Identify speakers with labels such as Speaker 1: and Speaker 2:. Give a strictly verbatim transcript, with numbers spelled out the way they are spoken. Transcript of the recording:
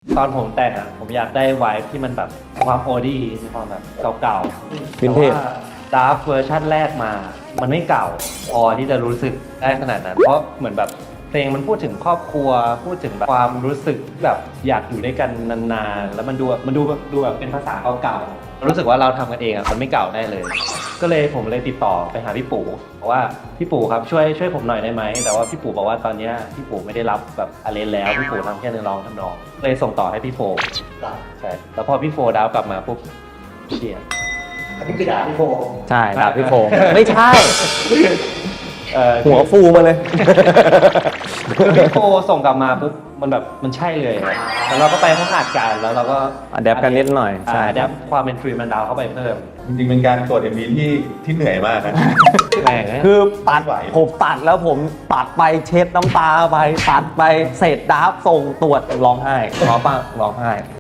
Speaker 1: ตอนผมแต่งอ่ะผมอยากได้ไวท์ที่มันแบบความโอดี้ความแบบเก่าๆ
Speaker 2: วินเทจ
Speaker 1: ดาร์ฟเวอร์ชันแรกมา มันไม่เก่าพอที่จะรู้สึกได้ขนาดนั้น เพราะเหมือนแบบเพลงมันพูดถึงครอบครัว พูดถึงแบบความรู้สึกแบบอยากอยู่ด้วยกันนานๆ แล้วมันดูมันดูแบบดูแบบเป็นภาษาเก่าๆ รู้สึกว่าเราทำกันเองอ่ะมันไม่เก่าได้เลย ก็เลยผมเลยติดต่อไปหาพี่ปู่บอกว่าพี่ปู่ครับช่วยช่วยผมหน่อยได้ไหม แต่ว่าพี่ปู่บอกว่าตอนเนี้ยพี่ปู่ไม่ได้รับแบบอาเลนแล้ว พี่ปู่ทำแค่เนื้อร้องทำนอง เลยส่งต่อให้พี่โฟใช่ แล้วพอพี่โฟดาวกลับมาปุ๊บเชียร์
Speaker 3: อันนี้คือด่าพี่โฟ
Speaker 2: ใช่ดาบพี่โฟมไม่ใช่
Speaker 1: เอ่อ
Speaker 2: หัวฟูมาเลย
Speaker 1: คือพี่โฟส่งกลับมาปุ๊บมันแบบมันใช่เลยอะแล้วเราก็ไปห้องอัดกันแล้วเราก็
Speaker 2: adapt กันนิดหน่อยใช่
Speaker 1: อัดแอปความเป็นฟรีแมนดาวเข้าไปเพิ่ม
Speaker 4: จริงๆเป็นการตรวจ เอ็ม วี ที่ที่เหนื่อยมากนะ
Speaker 1: แม่งนะ
Speaker 2: คือตัด
Speaker 4: ไหว
Speaker 2: ผมตัดแล้วผมตัดไปเช็ดน้ำตาไปตัดไปเศษดาบส่งตรวจร้องไห้ร้องป่ะร้องไห้